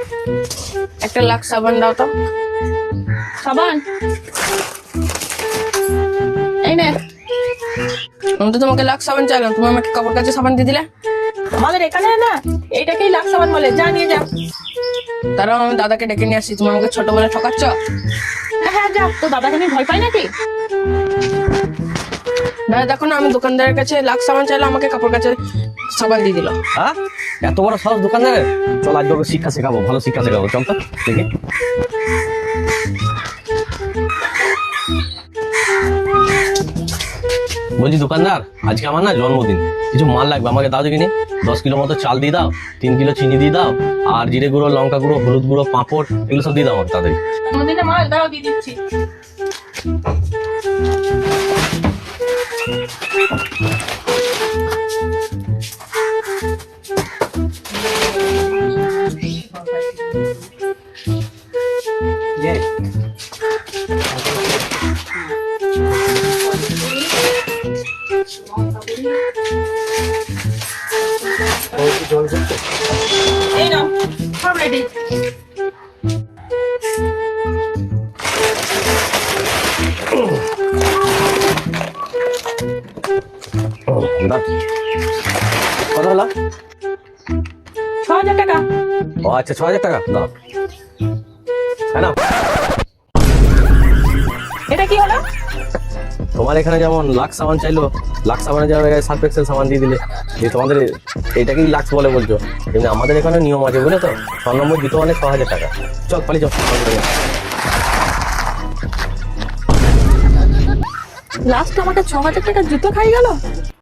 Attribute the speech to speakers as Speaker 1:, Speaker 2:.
Speaker 1: একটা লাক্স সাবান দাও তো।
Speaker 2: সাবান এই নে।
Speaker 1: আমি তো তোমাকে লাক্স সাবান চাইলাম, তুমি আমাকে কাপড় কাচে সাবান দিয়ে দিলে।
Speaker 2: আমাদের এখানে না এইটাকেই লাক্স সাবান বলে, যা নিয়ে যা।
Speaker 1: তারাও আমি দাদাকে ডেকে নিয়ে আসছি, তুমি আমাকে ছোট বলে ঠকাচ্ছ।
Speaker 2: হ্যাঁ হ্যাঁ যা, তো দাদাকে আমি ভয় পাই নাকি?
Speaker 1: দাদা দেখো না, আমি দোকানদারের কাছে লাক্স সাবান চাইলাম, আমাকে কাপড় কাচে সাবান দিয়ে দিল।
Speaker 3: হ্যাঁ, এত বড় সাহস দোকানদারের। চল আজ ওকে শিক্ষা শেখাবো, ভালো শিক্ষা শেখাবো। চল তো দেখি। বলছি দোকানদার, আজকে আমার না জন্মদিন, কিছু মাল লাগবে, আমাকে দাও দেখিনি। 10 কিলো মতো চাল দিয়ে দাও, 3 কিলো চিনি দিয়ে দাও, আর জিরে গুঁড়ো, লঙ্কা গুঁড়ো, হলুদ গুঁড়ো, পাঁপড়, এগুলো সব দিয়ে দাও আমাকে তাড়াতাড়ি।
Speaker 2: জন্মদিনে মাল দাও, দিয়ে দিচ্ছি। এই নাও, সব রেডি।
Speaker 3: দাও। কত হলো?
Speaker 2: 6,000 টাকা।
Speaker 3: ও আচ্ছা, 6,000 টাকা দাও। হ্যাঁ না,
Speaker 2: এটা কি হলো?
Speaker 3: তোমার এখানে যেমন লাক্স সাবান চাইলো, লাক্স সাবানের জায়গায় সার্ফ এক্সেল সাবান দিয়ে দিলে, যে তোমাদের এটাকেই লাক্স বলে বলছো। কিন্তু আমাদের এখানে নিয়ম আছে, বুঝলে তো, 6 নম্বর জুতো মানে 6,000 টাকা। চল পালিয়ে যাও।
Speaker 2: লাস্ট আমাকে 6,000 টাকা জুতো খাই গেল।